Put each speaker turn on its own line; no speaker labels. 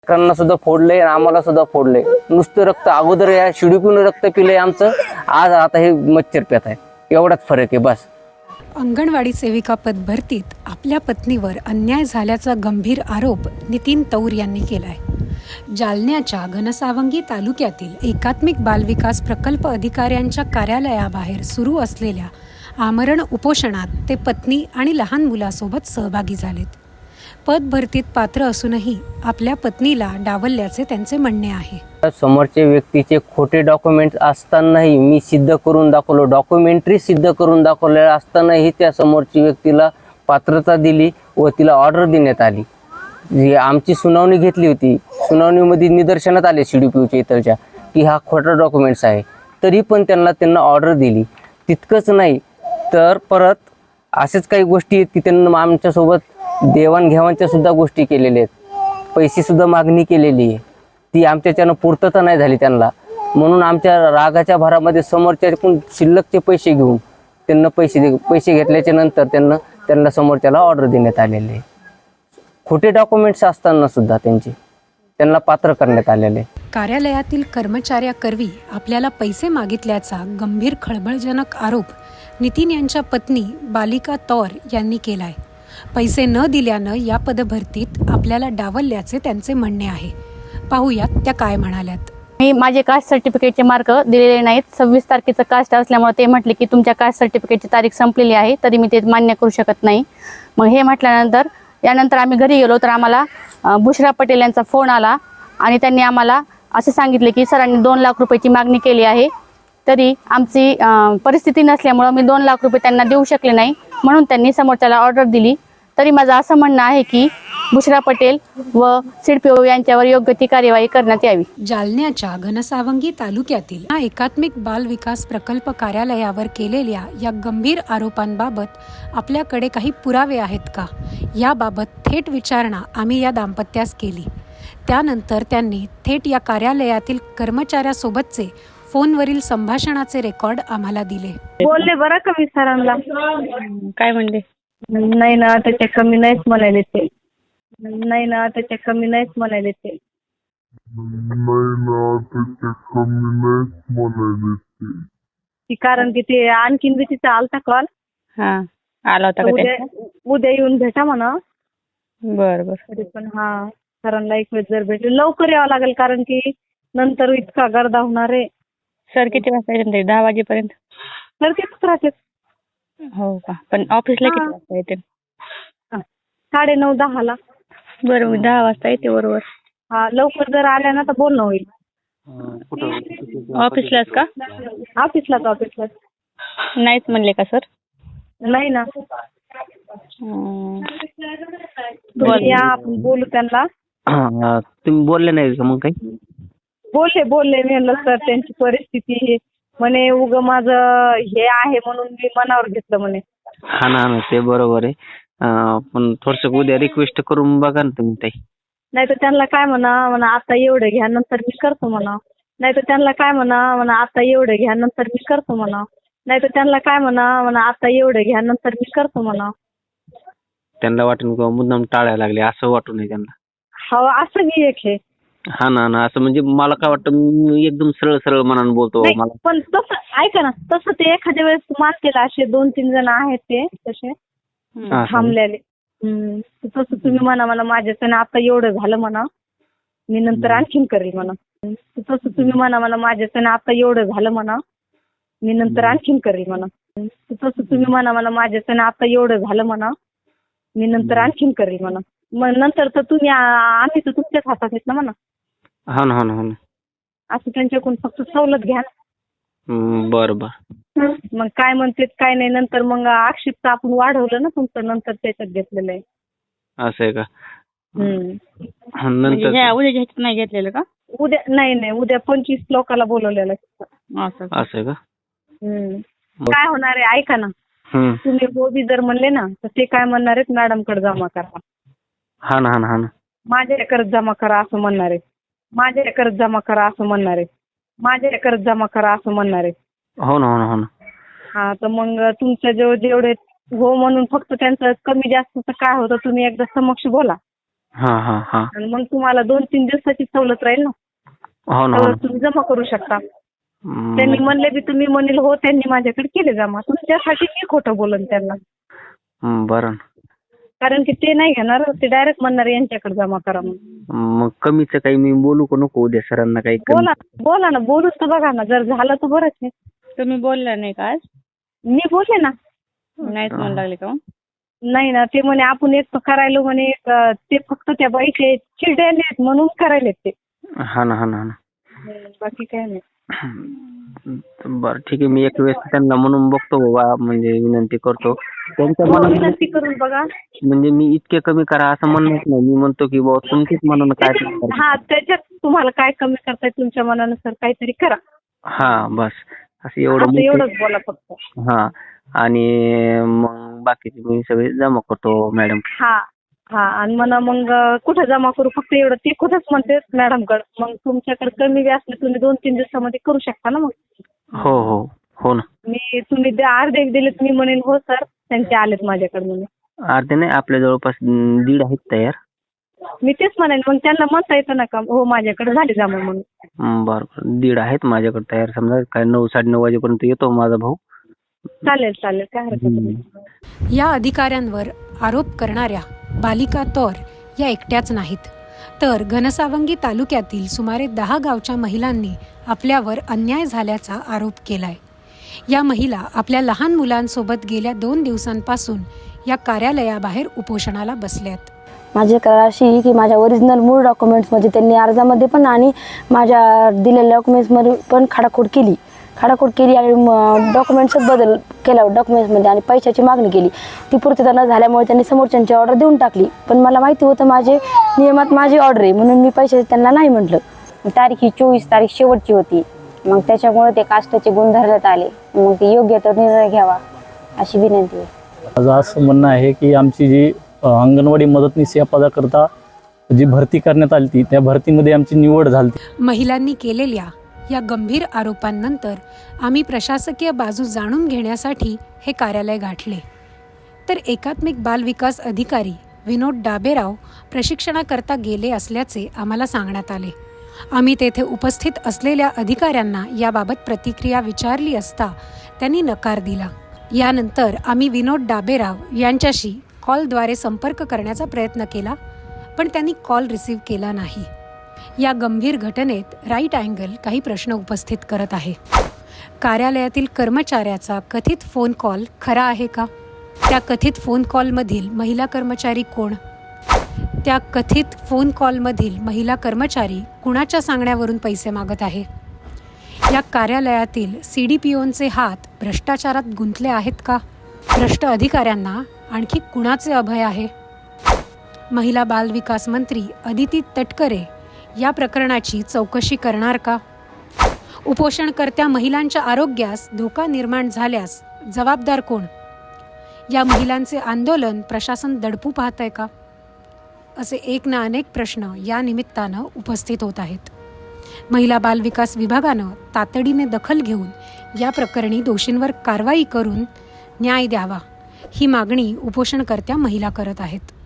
लेकरांना सुद्धा फोडले आणि आम्हाला सुद्धा फोडले. नुसतं रक्त अगोदर या शिडीतून रक्त पिले आमचं, आज आता हे मच्छर पेत आहे. एवढाच फरक आहे बस.
अंगणवाडी सेविका पद भरतीत आपल्या पत्नीवर अन्याय झाल्याचा गंभीर आरोप नितीन तौर यांनी केलाय. जालन्याच्या घनसावंगी तालुक्यातील एकात्मिक बालविकास प्रकल्प अधिकाऱ्यांच्या कार्यालयाबाहेर सुरू असलेल्या आमरण उपोषणात ते पत्नी आणि लहान मुलासोबत सहभागी झालेत. पद भरतीत पात्र असूनही आपल्या पत्नीला डावलल्याचे त्यांचे म्हणणे आहे.
समोरच्या व्यक्तीचे खोटे डॉक्युमेंट असतानाही मी सिद्ध करून दाखवलो, डॉक्युमेंटरी सिद्ध करून दाखवलेलं असतानाही त्या समोरची व्यक्तीला पात्रता दिली व तिला ऑर्डर देण्यात आली. जी आमची सुनावणी घेतली होती, सुनावणीमध्ये निदर्शनात आले CDPOच्या इथलच्या की हा खोटा डॉक्युमेंट्स आहे, तरी पण त्यांना ऑर्डर दिली. तितकंच नाही तर परत असेच काही गोष्टी आहेत की त्यांना आमच्यासोबत देवाणघेवाणच्या सुद्धा गोष्टी केलेल्या आहेत. पैसे सुद्धा मागणी केलेली आहे, ती आमच्याच्यानं पूर्तता नाही झाली त्यांना. म्हणून आमच्या रागाच्या भरामध्ये समोरच्याकडून शिल्लकचे पैसे घेऊन त्यांना पैसे घेतल्याच्या नंतर त्यांना समोरच्याला ऑर्डर देण्यात आलेले आहे. खोटे डॉक्युमेंट्स असताना सुद्धा त्यांना पात्र करण्यात आलेले.
कार्यालयातील कर्मचाऱ्याकरवी आपल्याला पैसे मागितल्याचा गंभीर खळबळजनक आरोप नितीन यांच्या पत्नी बालिका तौर यांनी केलाय. पैसे न दिल्यानं या पदभरतीत आपल्याला डावलल्याचे त्यांचे म्हणणे आहे. पाहूयात त्या काय म्हणाल्यात.
मी माझे कास्ट सर्टिफिकेटचे मार्क दिलेले नाहीत. 26 तारखेचं कास्ट असल्यामुळे ते म्हटले की तुमच्या कास्ट सर्टिफिकेटची तारीख संपलेली आहे, तरी मी ते मान्य करू शकत नाही. मग हे म्हटल्यानंतर यानंतर आम्ही घरी गेलो तर आम्हाला बुशरा पटेल यांचा फोन आला आणि त्यांनी आम्हाला असे सांगितले की सरांनी 2 लाख रुपयाची मागणी केली आहे, तरी आमची परिस्थिती नसल्यामुळं मी 2 लाख रुपये त्यांना देऊ शकले नाही, म्हणून त्यांनी समोरच्याला ऑर्डर दिली. तरी माझं असं म्हणणं आहे की बुशरा पटेल व CDPO यांच्यावर योग्य ती कार्यवाही करण्यात यावी.
जालन्याच्या घनसावंगी तालुक्यातील एकात्मिक बाल विकास प्रकल्प कार्यालयावर केलेल्या या गंभीर आरोपांबाबत आपल्याकडे काही पुरावे आहेत का, याबाबत थेट विचारणा आम्ही या दाम्पत्यास केली. त्यानंतर त्यांनी थेट या कार्यालयातील कर्मचाऱ्यासोबतचे फोनवरील संभाषणाचे रेकॉर्ड आम्हाला दिले.
बोलले बरं का मी सरांना.
काय म्हणले?
नाही ना त्याच्या कमी नाहीच म्हणाले ते. नाही ना त्याच्या कमी नाहीच म्हणाले ते. ती कारण की ते आणखीन बी तिचा आलता कॉल.
आला होता का ते?
उद्या येऊन भेटा म्हणा.
बरं.
तरी पण सरांना एक वेळ जर भेटले लवकर यावं लागेल, कारण की नंतर इतका गर्दा होणार आहे.
सर किती वाजता येतील? 10 वाजेपर्यंत.
तर कितीच राहते.
हो का? पण ऑफिसला किती वाजता येतील?
9:30-10 ला.
बरं, मी 10 वाजता येते बरोबर.
लवकर जर आल्या ना तर बोलणं होईल.
ऑफिसलाच का?
ऑफिसलाच.
नाहीच म्हणले का सर?
नाही ना. तुम्ही या, आपण बोलू त्यांना.
तुम्ही बोलले नाही का मग काही?
बोलले मी म्हणलं सर त्यांची परिस्थिती हे म्हणे उग माझं हे आहे म्हणून मी मनावर घेतलं म्हणे.
हा ना ते बरोबर आहे. पण थोडस उद्या रिक्वेस्ट करून बघा ना तुम्ही ताई.
नाही तर त्यांना काय म्हणा आता एवढं घ्या नंतर मी करतो म्हणा. नाही तर त्यांना काय म्हणा आता एवढं घ्या नंतर मी करतो म्हणा. नाही तर त्यांना काय म्हणा आता एवढं घ्या नंतर मी करतो म्हणा.
त्यांना वाटून किंवा मुद्दाम टाळायला लागले असं वाटू नये त्यांना.
हो असं बी एक आहे.
हा ना असं म्हणजे मला काय वाटतं, मी एकदम सरळ मनानं बोलतो.
नाही,
मला
पण तसं ऐका ना, तसं ते एखाद्या वेळेस मानतील. असे 2-3 जण आहेत ते तसे थांबलेले. तसं तुम्ही म्हणा मला माझ्याच्यानं आता एवढं झालं म्हणा, मी नंतर आणखीन करेल म्हणा. तसं तुम्ही म्हणा मला माझ्याच्यानं आता एवढं झालं म्हणा, मी नंतर आणखीन करेल म्हणा. तसं तुम्ही म्हणा मला माझ्याच्यानं आता एवढं झालं म्हणा, मी नंतर आणखीन करेल म्हणा. मग नंतर तर तुम्ही आम्ही तर तुमच्याच हातात आहेत ना म्हणा.
हो ना
असं त्यांच्याकडून फक्त सवलत घ्या.
बरं.
मग काय म्हणते काय नाही, नंतर मग आक्षेप आपण वाढवलं ना तुमचं, नंतर त्याच्यात घेतलेलं आहे.
असं आहे का?
म्हणजे उद्या ह्याच्यात नाही घेतलेलं का?
उद्या नाही, उद्या 25 लोकांना बोलवलेलं आहे.
असं आहे का?
काय होणार आहे ऐका ना, तुम्ही बी जर म्हणले ना तर ते काय म्हणणार आहेत, मॅडमकडे जमा करा.
हा ना
माझ्याकडे जमा करा असं म्हणणार आहे. माझ्याकडे जमा करा असं म्हणणार आहे. माझ्याकडे जमा करा असं म्हणणार आहे.
हो ना.
तर मग तुमच्या जेवढे हो म्हणून फक्त त्यांचं कमी जास्तचं काय होतं तुम्ही एकदा समक्ष बोला.
हा हा हा.
आणि मग तुम्हाला 2-3 दिवसाची सवलत राहील ना.
हो ना, हो
सवलत तुम्ही जमा करू शकता.
ना.
त्यांनी म्हणले बी तुम्ही म्हणेल हो त्यांनी माझ्याकडे केले जमा. तुमच्यासाठी मी खोटं बोलन त्यांना.
बरं.
कारण की ते नाही घेणार, ते डायरेक्ट म्हणणार यांच्याकडे जमा करा म्हणून.
मग कमीचं काही मी बोलू का नको उद्या सरांना काही कमी?
बोला ना, बोलून तर बघा ना, जर झालं तर बरंच आहे.
तुम्ही बोलला नाही का आज?
मी बोलले ना.
नाहीच म्हणू लागले का?
नाही ना, ते म्हणे आपण एक करायलो म्हणे, ते फक्त त्या बाईचे चिडलेले आहेत म्हणून करायलेत ते.
हा ना, हा ना, हा ना.
बाकी काय नाही.
बरं ठीक आहे, मी एक वेळेस त्यांना म्हणून बघतो बाबा, म्हणजे विनंती करतो त्यांच्या
हो,
मनात.
विनंती करून बघा.
म्हणजे मी इतके कमी करा असं म्हणत नाही, मी म्हणतो की बाबा तुमच्याच मनानं काय ते करा.
त्याच्यात तुम्हाला काय कमी करताय तुमच्या मनानुसार काहीतरी करा.
हा बस असं
असं
एवढं.
एवढंच बोला फक्त.
हा, आणि मग बाकीचे मी सगळे जमा करतो मॅडम.
हा हा, आणि म्हणा मग कुठं जमा करू, फक्त एवढं ते कुठंच म्हणते मॅडमकडे. मग तुमच्याकडे कमी बी असले तुम्ही 2-3 दिवसामध्ये करू शकता ना. मग
हो हो हो ना.
तुम्ही अर्धे दिले, तुम्ही म्हणेल हो सर त्यांचे आलेत माझ्याकडे म्हणून.
अर्धे नाही, आपल्या जवळपास 1.5 आहेत तयार.
मी तेच म्हणेन, मग त्यांना म्हणता येतं ना का हो माझ्याकडे झाले जमा म्हणून.
बरं बरं, 1.5 आहेत माझ्याकडे तयार. समजा काय 9-9:30 वाजेपर्यंत येतो माझा भाऊ.
चालेल चालेल, काय हरकत नाही.
या अधिकाऱ्यांवर आरोप करणाऱ्या बालिका तौर या एकट्याच नाहीत, तर घनसावंगी तालुक्यातील सुमारे 10 गावच्या महिलांनी आपल्यावर अन्याय झाल्याचा आरोप केलाय. या महिला आपल्या लहान मुलांसोबत गेल्या 2 दिवसांपासून या कार्यालयाबाहेर उपोषणाला बसल्यात.
माझी तक्रार अशी आहे की माझ्या ओरिजिनल मूळ डॉक्युमेंट्समध्ये त्यांनी अर्जामध्ये पण आणि माझ्या दिलेल्या डॉक्युमेंट्समध्ये पण खाडाखोड केली आणि डॉक्युमेंट्सच बदल केला डॉक्युमेंट्समध्ये आणि पैशाची मागणी केली. ती पूर्तता न झाल्यामुळे त्यांनी समोरच्यांची ऑर्डर देऊन टाकली. पण मला माहिती होतं माझे नियमात माझी ऑर्डर आहे म्हणून मी पैसे त्यांना नाही म्हटलं.
तारीख ही 24 तारीख शेवटची होती. मग त्याच्यामुळे ते कास्टचे गुण धरण्यात आले. मग ते योग्य तो निर्णय घ्यावा अशी विनंती आहे.
माझं असं म्हणणं आहे की आमची जी अंगणवाडी मदतनीस या पदाकरता जी भरती करण्यात आली ती, त्या भरतीमध्ये आमची निवड झाली.
महिलांनी केलेल्या या गंभीर आरोपांनंतर आम्ही प्रशासकीय बाजू जाणून घेण्यासाठी हे कार्यालय गाठले, तर एकात्मिक बाल विकास अधिकारी विनोद डाबेराव प्रशिक्षणाकरता गेले असल्याचे आम्हाला सांगण्यात आले. आम्ही तेथे उपस्थित असलेल्या अधिकाऱ्यांना याबाबत प्रतिक्रिया विचारली असता त्यांनी नकार दिला. यानंतर आम्ही विनोद डाबेराव यांच्याशी कॉलद्वारे संपर्क करण्याचा प्रयत्न केला, पण त्यांनी कॉल रिसीव्ह केला नाही. या गंभीर घटनेत राईट अँगल काही प्रश्न उपस्थित करत आहे. कार्यालयातील कर्मचाऱ्याचा कथित फोन कॉल खरा आहे का? त्या कथित फोन कॉलमधील महिला कर्मचारी कोण? त्या कथित फोन कॉलमधील महिला कर्मचारी कुणाच्या सांगण्यावरून पैसे मागत आहे? या कार्यालयातील CDPOचे हात भ्रष्टाचारात गुंतले आहेत का? भ्रष्ट अधिकाऱ्यांना आणखी कुणाचे अभय आहे? महिला बाल विकास मंत्री अदिती तटकरे या प्रकरणाची चौकशी करणार का? उपोषणकर्त्या महिलांच्या आरोग्यास धोका निर्माण झाल्यास जबाबदार कोण? या महिलांचे आंदोलन प्रशासन दडपू पाहतंय का? असे एक ना अनेक प्रश्न या निमित्तानं उपस्थित होत आहेत. महिला बाल विकास विभागानं तातडीने दखल घेऊन या प्रकरणी दोषींवर कारवाई करून न्याय द्यावा, ही मागणी उपोषणकर्त्या महिला करत आहेत.